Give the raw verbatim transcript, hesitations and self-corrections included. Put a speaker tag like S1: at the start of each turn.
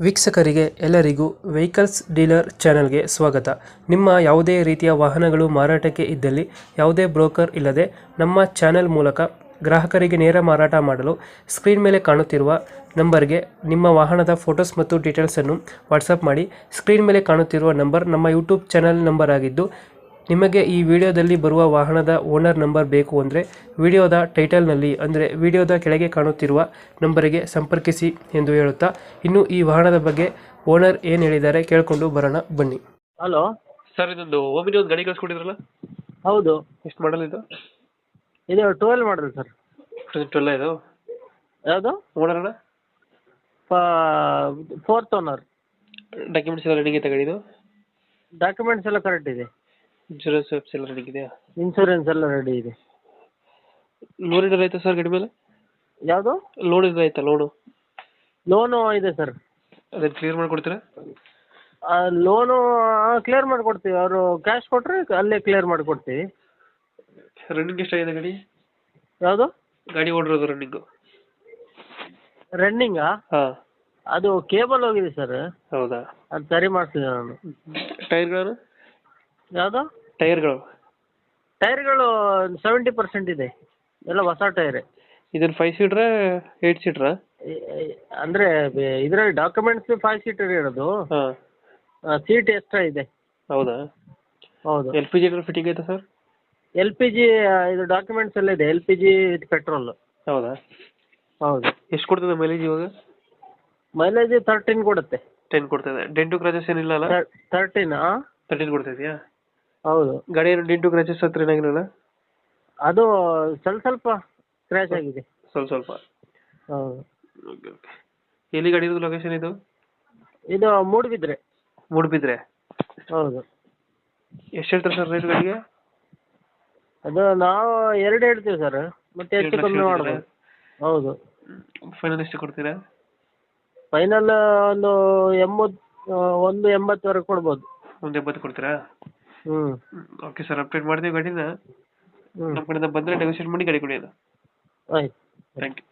S1: ವೀಕ್ಷಕರಿಗೆ ಎಲ್ಲರಿಗೂ vehicles dealer ಚಾನೆಲ್ಗೆ ಸ್ವಾಗತ. ನಿಮ್ಮ ಯಾವುದೇ ರೀತಿಯ ವಾಹನಗಳು ಮಾರಾಟಕ್ಕೆ ಇದ್ದಲ್ಲಿ ಯಾವುದೇ ಬ್ರೋಕರ್ ಇಲ್ಲದೆ ನಮ್ಮ ಚಾನೆಲ್ ಮೂಲಕ ಗ್ರಾಹಕರಿಗೆ ನೇರ ಮಾರಾಟ ಮಾಡಲು ಸ್ಕ್ರೀನ್ ಮೇಲೆ ಕಾಣುತ್ತಿರುವ ನಂಬರ್ಗೆ ನಿಮ್ಮ ವಾಹನದ ಫೋಟೋಸ್ ಮತ್ತು ಡೀಟೇಲ್ಸನ್ನು ವಾಟ್ಸಪ್ ಮಾಡಿ. ಸ್ಕ್ರೀನ್ ಮೇಲೆ ಕಾಣುತ್ತಿರುವ ನಂಬರ್ ನಮ್ಮ ಯೂಟ್ಯೂಬ್ ಚಾನೆಲ್ ನಂಬರ್ ಆಗಿದ್ದು, ನಿಮಗೆ ಈ ವಿಡಿಯೋದಲ್ಲಿ ಬರುವ ವಾಹನದ ಓನರ್ ನಂಬರ್ ಬೇಕು ಅಂದರೆ ವಿಡಿಯೋದ ಟೈಟಲ್ನಲ್ಲಿ ಅಂದರೆ ವಿಡಿಯೋದ ಕೆಳಗೆ ಕಾಣುತ್ತಿರುವ ನಂಬರಿಗೆ ಸಂಪರ್ಕಿಸಿ ಎಂದು ಹೇಳುತ್ತಾ, ಇನ್ನು ಈ ವಾಹನದ ಬಗ್ಗೆ ಓನರ್ ಏನು ಹೇಳಿದ್ದಾರೆ ಕೇಳಿಕೊಂಡು ಬರೋಣ ಬನ್ನಿ.
S2: ಹಲೋ
S1: ಸರ್, ಇದೊಂದು ಓಮಿನಿ ಒಂದು ಗಾಡಿ ಕಳಿಸ್ಕೊಟ್ಟಿದ್ರಲ್ಲ,
S2: ಹೌದು,
S1: ಎಷ್ಟು ಮಾಡಲ್ ಇದು?
S2: ಇದು ಟ್ವೆಲ್ ಮಾಡಲ್ ಸರ್.
S1: ಟ್ವೆಲ್ ಇದು
S2: ಯಾವುದು?
S1: ಓನರ್ ಅಣ್ಣ?
S2: Fourth owner.
S1: ಡಾಕ್ಯುಮೆಂಟ್ಸ್ ಎಲ್ಲ ರೆಡಿ ಇದೆ ಗಾಡಿದು?
S2: ಡಾಕ್ಯುಮೆಂಟ್ಸ್ ಎಲ್ಲ ಕರೆಕ್ಟ್ ಇದೆ.
S1: ಇನ್ಶೂರೆನ್ಸ್ ಎಲ್ಲ ರೆಡಿ ಇದೆಯಾ?
S2: ಇನ್ಶೂರೆನ್ಸ್ ಎಲ್ಲ ರೆಡಿ ಇದೆ.
S1: ಲೋನ್ ಏನಾರು ಆಯ್ತಾ ಸರ್ ಗಾಡಿ ಮೇಲೆ?
S2: ಯಾವುದು?
S1: ಲೋನ್ ಏನಾರು ಆಯ್ತಾ? ಲೋನು
S2: ಲೋನು ಇದೆ ಸರ್.
S1: ಅದನ್ನು ಕ್ಲಿಯರ್ ಮಾಡಿಕೊಡ್ತೀರಾ?
S2: ಲೋನು ಕ್ಲಿಯರ್ ಮಾಡಿಕೊಡ್ತೀವಿ. ಅವರು ಕ್ಯಾಶ್ ಕೊಟ್ಟರೆ ಅಲ್ಲೇ ಕ್ಲಿಯರ್ ಮಾಡಿಕೊಡ್ತೀವಿ.
S1: ರನ್ನಿಂಗ್ ಎಷ್ಟಾಗಿದೆ ಗಾಡಿ?
S2: ಯಾವುದು
S1: ಗಾಡಿ ಓಡಿರೋದು ರನ್ನಿಂಗು?
S2: ರನ್ನಿಂಗಾ?
S1: ಹಾಂ,
S2: ಅದು ಕೇಬಲ್ ಹೋಗಿದೆ ಸರ್.
S1: ಹೌದಾ?
S2: ಅದು ಸರಿ ಮಾಡ್ತೀನಿ ನಾನು.
S1: ಟೈರ್ಗಳು?
S2: ಯಾವುದು?
S1: ಟೈರ್ಗಳು
S2: ಟೈರ್ಗಳು ಸೆವೆಂಟಿ ಪರ್ಸೆಂಟ್ ಇದೆ, ಎಲ್ಲ ಹೊಸ ಟೈರೇ.
S1: ಇದನ್ನು ಫೈವ್ ಸೀಟ್ರಾ ಏಯ್ಟ್ ಸೀಟ್ರಾ?
S2: ಅಂದರೆ ಇದರಲ್ಲಿ ಡಾಕ್ಯುಮೆಂಟ್ಸ್ ಫೈವ್ ಸೀಟರ್ ಇರೋದು.
S1: ಹಾಂ,
S2: ಸೀಟ್ ಎಕ್ಸ್ಟ್ರಾ ಇದೆ.
S1: ಹೌದಾ?
S2: ಹೌದು.
S1: ಎಲ್ ಪಿ ಜಿ ಏನಾದ್ರು ಫಿಟ್ಟಿಂಗ್ ಆಯ್ತಾ ಸರ್?
S2: ಎಲ್ ಪಿ ಜಿ ಇದು ಡಾಕ್ಯುಮೆಂಟ್ಸ್ ಎಲ್ಲ ಇದೆ. L P G with petrol.
S1: ಹೌದಾ?
S2: ಹೌದು.
S1: ಎಷ್ಟು ಕೊಡ್ತದೆ ಮೈಲೇಜ್ ಇವಾಗ?
S2: ಮೈಲೇಜ್ ತರ್ಟೀನ್ ಕೊಡುತ್ತೆ.
S1: ಟೆನ್ ಕೊಡ್ತದೆ. ಡೆಂಟು ಕ್ರಾಚಸ್ ಏನಿಲ್ಲ ಅಲ್ಲ?
S2: ತರ್ಟೀನ್.
S1: ತರ್ಟೀನ್ ಕೊಡ್ತಿದ್ಯಾ?
S2: ಹೌದು.
S1: ಗಾಡಿ ಏನು ಡೆಂಟು ಕ್ರಾಚಸ್ ಹತ್ರ ಏನಾಗಿರಲ್ಲ?
S2: ಅದು ಸ್ವಲ್ಪ ಸ್ವಲ್ಪ ಕ್ರ್ಯಾಶ್ ಆಗಿದೆ.
S1: ಸ್ವಲ್ಪ ಸ್ವಲ್ಪ.
S2: ಹೌದು.
S1: Okay okay. ಎಲ್ಲಿ ಗಾಡಿ ಇರೋದು? ಲೊಕೇಶನ್ ಇದು?
S2: ಇದು ಮೂಡುಬಿದ್ರೆ.
S1: ಮೂಡುಬಿದ್ರೆ?
S2: ಹೌದು.
S1: ಎಷ್ಟು ಹೇಳ್ತಾರೆ ಸರ್ ರೇಟ್ ಗಾಡಿಗೆ?
S2: ಅದು ನಾವು ಎರಡು ಹೇಳ್ತೀವಿ ಸರ್, ಮತ್ತೆ ಹೆಚ್ಚು ಕಮ್ಮಿ ಮಾಡ್ಬೋದು. ಹೌದು.
S1: ಫೈನಲ್ ಎಷ್ಟು ಕೊಡ್ತೀರಾ?
S2: ಫೈನಲ್ ಒಂದು ಎಂಬತ್ತು ಒಂದು ಎಂಬತ್ತುವರೆಗೆ ಕೊಡ್ಬೋದು.
S1: ಒಂದು ಎಂಬತ್ತು ಕೊಡ್ತೀರಾ?
S2: ಹ್ಞೂ.
S1: ಓಕೆ ಸರ್, ಅಪ್ಡೇಟ್ ಮಾಡ್ತೀವಿ ಗಾಡಿನ.
S2: ಹ್ಞೂ
S1: ನಮ್ಮ ಕಡೆಯಿಂದ ಬಂದರೆ ನೆಗೋಷಿಯೇಟ್ ಮಾಡಿ ಗಾಡಿ ಕೊಡಿ. ಅದು
S2: ಆಯ್ತು.
S1: Thank you.